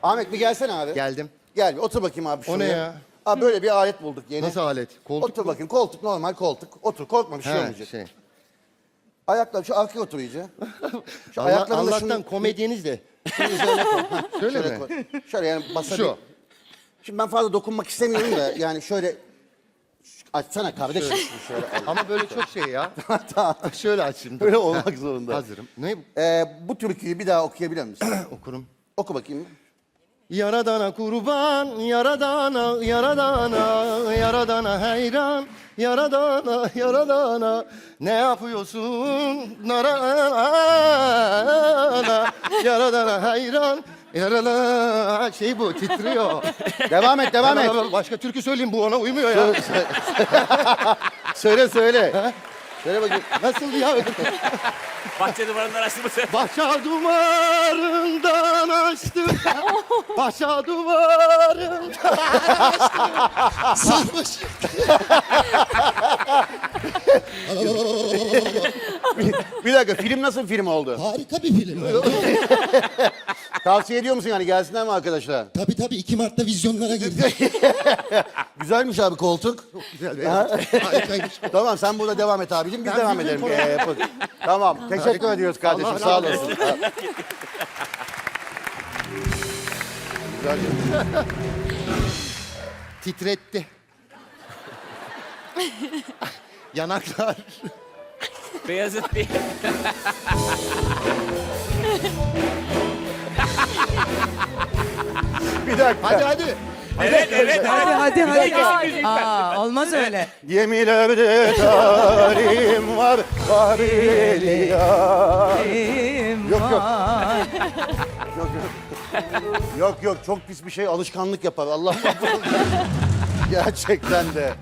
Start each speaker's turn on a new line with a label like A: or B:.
A: Ahmet bir gelsene abi.
B: Geldim.
A: Gel bir otur bakayım abi şuraya.
B: O ne ya?
A: Abi böyle bir alet bulduk yeni.
B: Nasıl alet? Koltuk
A: Otur
B: mu?
A: bakayım koltuk normal koltuk. Otur korkma bir şey
B: He,
A: olmayacak.
B: şey.
A: Ayaklar şu arkaya otur iyice. Şu ayaklarını da
B: Allah'tan
A: şunu
B: komedyeniz de.
A: şunun üzerine koy. Ha,
B: Şöyle
A: şöyle
B: mi?
A: koy. Şöyle yani basabil.
B: Şu.
A: Şimdi ben fazla dokunmak istemiyorum da yani şöyle açsana kardeşim. Şöyle.
B: Ama böyle çok şey ya.
A: Tamam.
B: Şöyle açayım.
A: Böyle olmak zorunda.
B: Hazırım. Ne
A: Bu türküyü bir daha okuyabilir misin?
B: okurum?
A: Oku bakayım.
B: Yaradana kurban, yaradana, yaradana, yaradana hayran, yaradana, yaradana. Ne yapıyorsun? Narana, yaradana hayran, yaradana. Şey bu, titriyor.
A: Devam et, devam et.
B: Başka türkü söyleyeyim, bu ona uymuyor ya.
A: Söyle söyle. Söyle bakayım.
B: Nasıl ya?
C: Bahçe duvarından açtı mı sen?
B: Başa duvarından açtım. Başa duvarından sarmış.
A: Bir dakika film nasıl bir film oldu?
D: Harika bir film.
A: Tavsiye ediyor musun yani gelsinler mi arkadaşlar?
D: Tabii 2 Mart'ta vizyonlara girdi.
A: Güzelmiş abi koltuk.
B: Güzel
D: Harikaymış.
A: Tamam sen burada devam et abicim biz
B: Ben
A: devam
B: bizim
A: edelim. Tamam teşekkür ediyoruz kardeşim
B: Allah
A: sağ
B: razı
A: olasın. Güzel.
B: Titretti. Yanaklar.
C: Beyazıt bir.
A: Bir dakika.
B: Hadi.
C: Evet.
E: Hadi.
C: Müzik ver.
E: Aa, olmaz öyle.
A: Gemilerde tarim var, varili ya. Yok. Yok çok pis bir şey alışkanlık yapar Allah muhafaza. Gerçekten de.